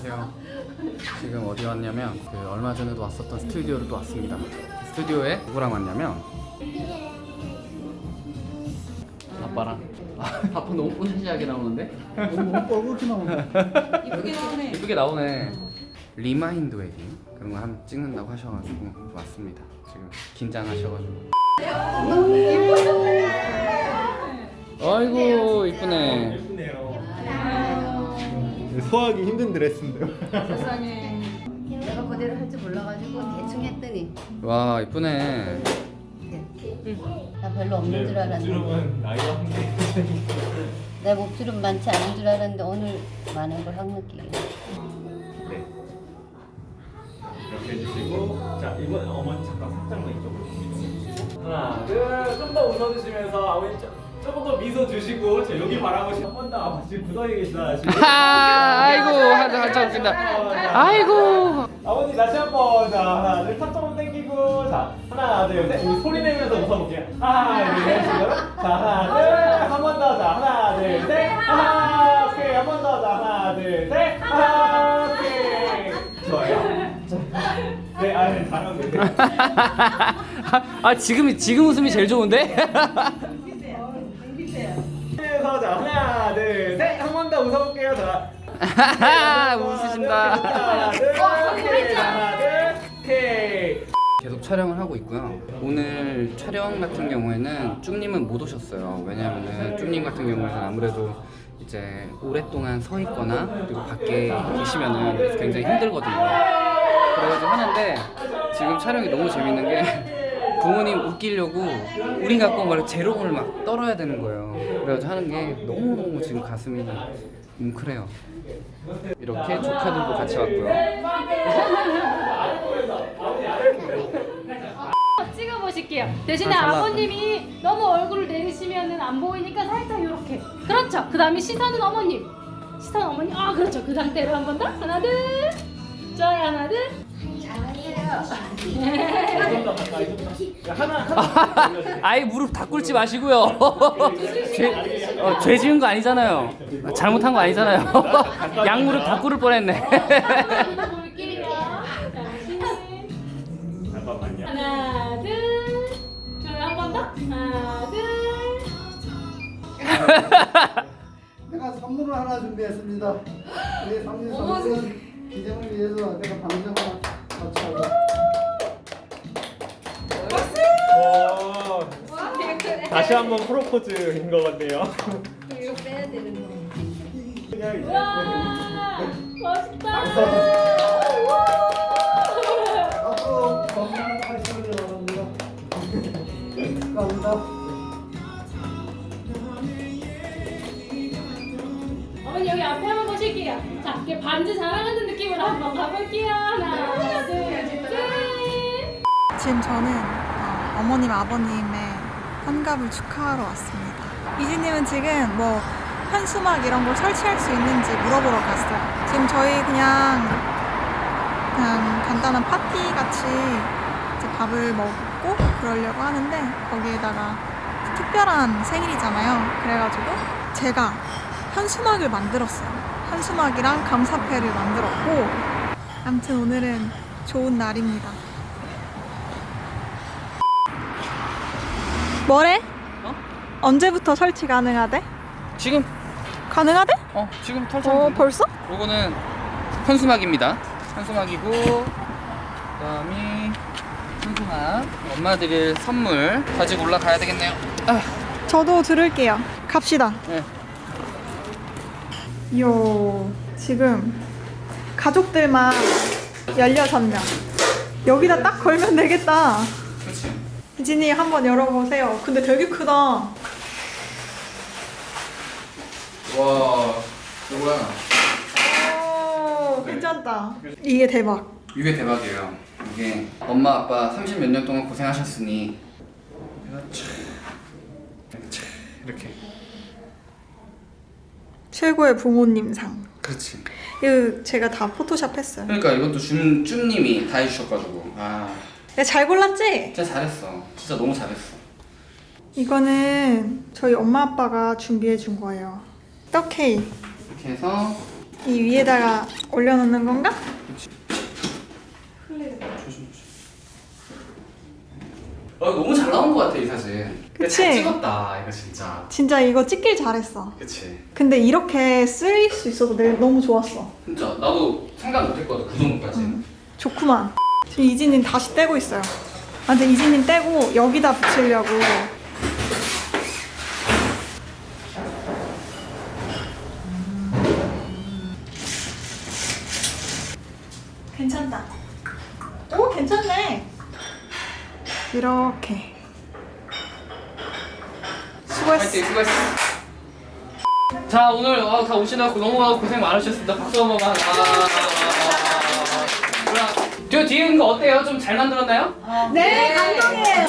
안녕하세요. 지금 어디 왔냐면 얼마 전에도 왔었던 스튜디오로 또 왔습니다. 스튜디오에 누구랑 왔냐면 아빠랑. 아빠 너무 뽀샤시하게 나오는데? 너무 뻘겋게 나오네. 이쁘게 나오네. 이쁘게 나오네. 리마인드 웨딩 그런 거 한번 찍는다고 하셔가지고 왔습니다. 지금 긴장하셔가지고. 아이고 이쁘네. 소화하기 힘든 드레스인데요. 세상에. 내가 그대로 할 줄 몰라가지고 대충 했더니 와 이쁘네. 나 별로 없는 줄 알았는데 주름은 나이와 함께. 내 목주름 많지 않은 줄 알았는데 오늘 많은 걸 확 느끼게. 네. 이렇게 해주시고, 자 이번 어머니 잠깐 살짝만 이쪽으로 이동해주시고, 하나, 둘, 좀 더 웃어주시면서 아버님 조금 더 미소 주시고, 저 여기 바라보시고 한 번 더 아버지 굳어있게 계시다. 아이고 한참 웃긴다. 아이고. 아버지 다시 한번 자 하나 둘 턱 조금 당기고 자 하나 둘셋 우리 소리 내면서 웃어볼게요. 하나 둘셋 자 하나 둘 한 번 더 자 하나 둘셋 하나 오케이 한 번 더 자 하나 둘셋 하나 오케이 좋아요. 네 아니 잘하고 아 지금 웃음이 제일 좋은데? 계세요. 자 하나 둘셋 한 번 더 웃어볼게요. 자 웃으신다. 하나 둘 하나 둘 오케이. 계속 촬영을 하고 있고요. 오늘 촬영 같은 경우에는 쭉님은 못 오셨어요. 왜냐하면 쭉님 같은 경우에는 아무래도 이제 오랫동안 서 있거나 그리고 밖에 계시면은 굉장히 힘들거든요. 그래가지고 하는데 지금 촬영이 너무 재밌는 게 부모님 웃기려고 우린 갖고 막 재롱을 막 떨어야 되는 거예요. 그래가지고 하는 게 너무너무 지금 가슴이 뭉클해요. 이렇게 조카들도 같이 왔고요. 찍어보실게요. 대신에 잘 나왔다. 아버님이 너무 얼굴을 내리시면은 안 보이니까 살짝 이렇게. 그렇죠. 그 다음에 시선은 어머님. 시선 어머님. 아 그렇죠. 그 상태로 한 번 더. 하나 둘. 좋아요. 하나 둘. 아이 무릎 다 꿇지 마시고요. 죄 지은 거 아니잖아요. 잘못한 거 아니잖아요. 양 무릎 다 꿇을 뻔했네. 볼게요. 잠깐만요. 하나 둘. 좋아요. 한 번 더. 하나 둘. 내가 선물을 하나 준비했습니다. 우리 삼진 선수는 기념을 위해서 내가 방송을 같이 하고. 다시 한번 프로포즈인 것 같네요. 이거 빼야 되는 거. 와 멋있다. 앞으로 건강한 활동을 바랍니다. 감사합니다. 어머니 여기 앞에 한번 보실게요. 자, 이렇게 반지 자랑하는 느낌으로 한번 가볼게요. 하나, 둘, 셋. 지금 저는 어머님 아버님의 환갑을 축하하러 왔습니다. 이진님은 지금 뭐 현수막 이런 걸 설치할 수 있는지 물어보러 갔어요. 지금 저희 그냥 간단한 파티 같이 이제 밥을 먹고 그러려고 하는데 거기에다가 특별한 생일이잖아요. 그래가지고 제가 현수막을 만들었어요. 현수막이랑 감사패를 만들었고 아무튼 오늘은 좋은 날입니다. 뭐래? 언제부터 설치 가능하대? 지금 가능하대? 지금 털참. 벌써? 요거는 현수막입니다. 현수막이고 그다음이 현수막. 엄마 드릴 선물 가지고 올라가야 되겠네요. 저도 들을게요. 갑시다. 네. 요 지금 가족들만 16명. 여기다 딱 걸면 되겠다. 그렇지. 이진이 한번 열어보세요. 근데 되게 크다. 와 이거야. 오, 괜찮다. 이게 대박. 이게 대박이에요. 이게 엄마 아빠 30 몇 년 동안 고생하셨으니 이렇게. 최고의 부모님상. 그렇지. 이거 제가 다 포토샵 했어요. 그러니까 이것도 쭈님이 다 해주셔가지고 내가 잘 골랐지? 진짜 잘했어. 진짜 너무 잘했어. 이거는 저희 엄마 아빠가 준비해 준 거예요. 떡 케이크. 이렇게 해서 이 위에다가 올려놓는 건가? 너무 잘 나온 것 같아 이 사진. 그치? 잘 찍었다 이거 진짜. 진짜 이거 찍길 잘했어. 그치. 근데 이렇게 쓰일 수 있어서 너무 좋았어. 진짜 나도 생각 못했거든 그 정도까지. 좋구만. 지금 이진님 다시 떼고 있어요. 아, 근데 이진님 떼고 여기다 붙이려고. 괜찮다. 오, 괜찮네. 이렇게. 수고했어. 파이팅 수고했어. 자 오늘 다 오시느라 너무 고생 많으셨습니다. 박수 한 번만. 저 뒤에 있는 거 어때요? 좀 잘 만들었나요? 네, 감동이에요.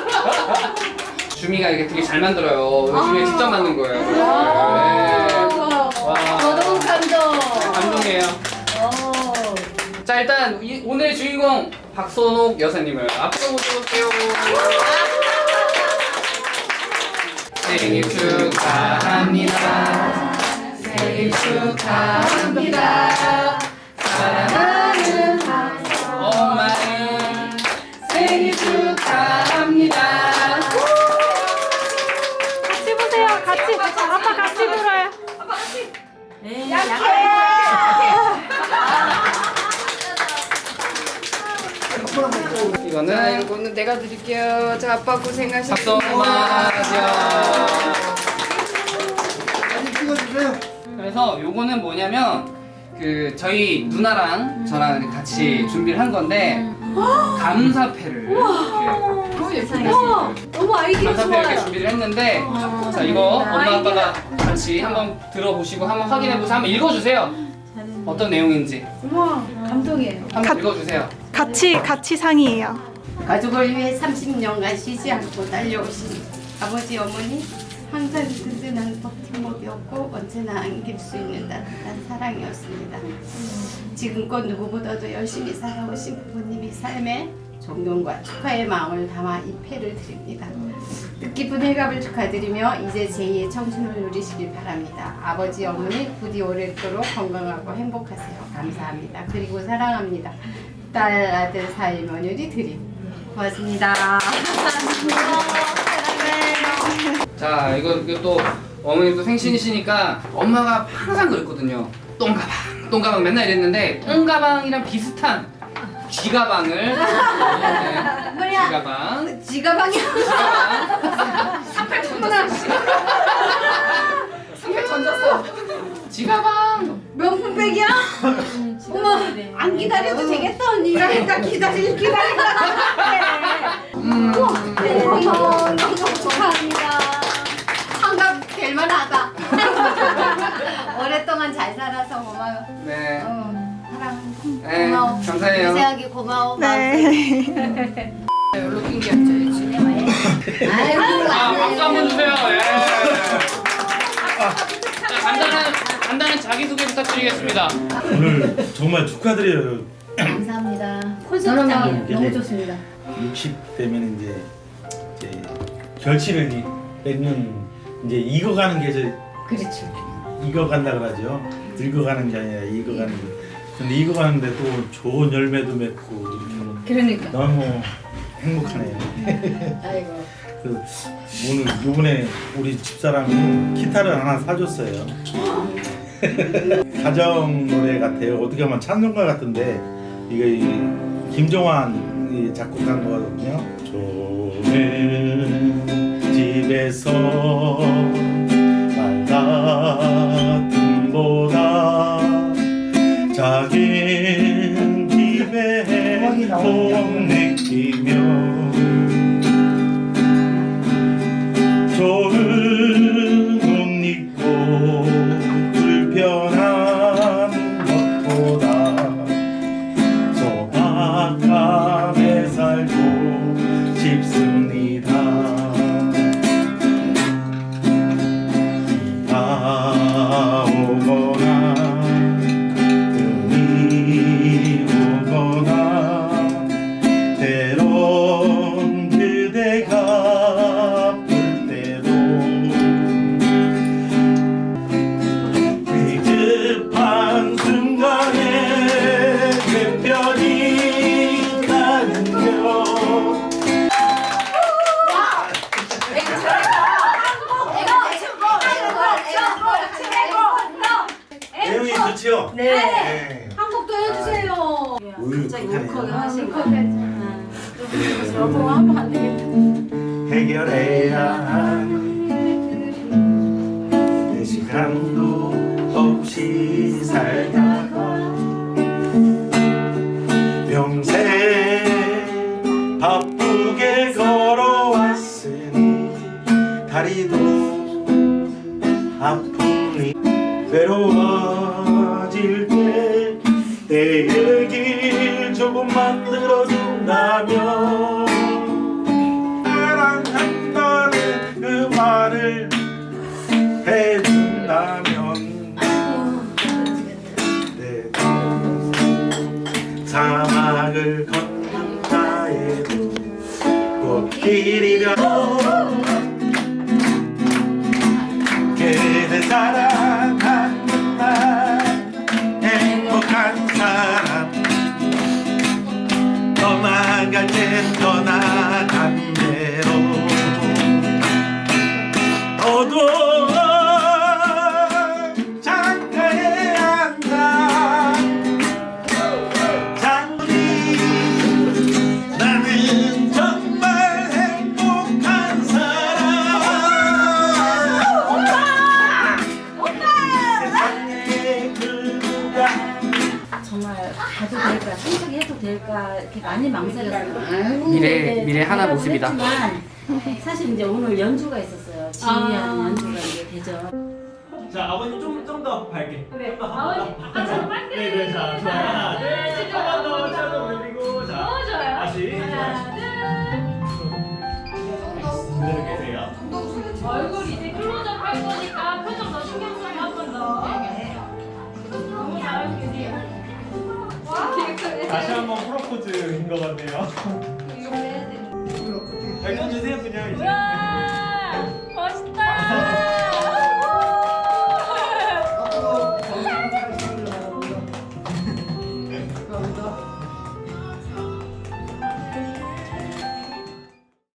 주미가 이게 되게 잘 만들어요. 주미가 직접 만든 거예요. 네. 와. 너무 감동. 감동이에요. 자 일단 오늘 주인공 박선옥 여사님을 앞으로 모셔볼게요. 생일 축하합니다. 생일 축하합니다. 사랑하는 엄마의 생일 축하합니다. 같이 보세요. 같이. 아빠 같이 불어요. 이거는 내가 드릴게요. 자, 아빠 고생하셨습니다. 박수 한번 사진 찍어주세요. 그래서 요거는 뭐냐면 그 저희 누나랑 저랑 같이 준비를 한 건데 감사패를 이렇게 너무 아이디어 감사패 이렇게 좋아요. 준비를 했는데 자 이거 엄마 아빠가 같이 한번 들어보시고 한번 확인해보세요. 한번 읽어주세요. 어떤 내용인지 우와, 감동이에요. 한번 읽어주세요. 같이 상이에요. 가족을 위해 30년간 쉬지 않고 달려오신 아버지 어머니 항상 든든한 버팀목이었고 언제나 안길 수 있는 따뜻한 사랑이었습니다. 지금껏 누구보다도 열심히 살아오신 부모님의 삶에 존경과 축하의 마음을 담아 이 패를 드립니다. 뜻깊은 회갑을 축하드리며 이제 제2의 청춘을 누리시길 바랍니다. 아버지 어머니 부디 오랫도록 건강하고 행복하세요. 감사합니다. 그리고 사랑합니다. 딸 아들 사이 며느리 드림. 고맙습니다. 자 이거 또 어머님도 생신이시니까 엄마가 항상 그랬거든요. 똥가방 맨날 이랬는데 똥가방이랑 비슷한 쥐가방을 쥐가방 지가방이야. 쥐가방 명품백이야? 어머, 안 기다려도 되겠다 언니. 일단 기다리다. 어머, 너무 축하합니다. 환갑 될 만하다. 오랫동안 잘 살아서 고마워. 네. 사랑. 네, 고마워. 감사해요. 미세하게 고마워. 네. 여기로 낑겼죠. 아이고, 아, 박수 한번 주세요. 예. 자, 간단한 자기소개 부탁드리겠습니다. 오늘 정말 축하드려요. 감사합니다. 너무 너무 좋습니다. 60대면 이제 결실을 맺는 이제 익어가는 게 그렇죠. 익어간다 그러죠. 늙어가는 게 아니라 익어가는 게. 근데 익어가는데 또 좋은 열매도 맺고 그러니까. 너무 행복하네요. 아이고. 그 오늘 요번에 우리 집사람이 기타를 하나 사줬어요. 가정 노래 같아요. 어떻게 보면 찬송가 같은데 이거 김종환이 작곡한 거거든요. 좋은 집에서 말 같음보다 작은 집에 복 느끼며 좋은 옷 입고 불편한 것보다 소박하게 살고 싶습니다. 비가 오거나 눈이 오거나 때로 좋지요? 네. 한 곡도 해주세요. 갑자기 울컥 하신 거. 여보 하면 안 되겠다. 해결해야 하는 내 시간도 없이 살다가 평생 바쁘게 걸어왔으니 다리도 아프니 외로워질 때 내 얘길 조금만 들어준다면 사랑한다는 그 말을 해준다면 내 사막을 걷는다 해도 꽃길이가 그대 사랑하는 날 행복한 사람 떠나갈 땐 떠나간 대로 너도 착각해야 한다 장군이 나는 정말 행복한 사람 세상에 그 누가 정말 가도 될까 선택해도 될까 이렇게 많이 망설였어요. 미래 하나 모습이다. 그렇지만 사실 이제 오늘 연주가 있었어요. 지휘하는 연주가 이제 대전. 자 아버님 좀 더 밝게. 네. 좀 더. 아버님, 저는 빨리. 네네 자 좋아요. 하나 둘 셋. 한 번 더 차도 올리고 자. 너무 좋아요. 다시. 하나, 둘. 그대로 계세요. 얼굴 이제 클로즈업 할 거니까 표정 더 신경 써요 한 번 더. 너무 잘하고 계세요. 와, 다시 한번 프로포즈인 것 같네요. 발전 주세요 그냥 이제. 우와.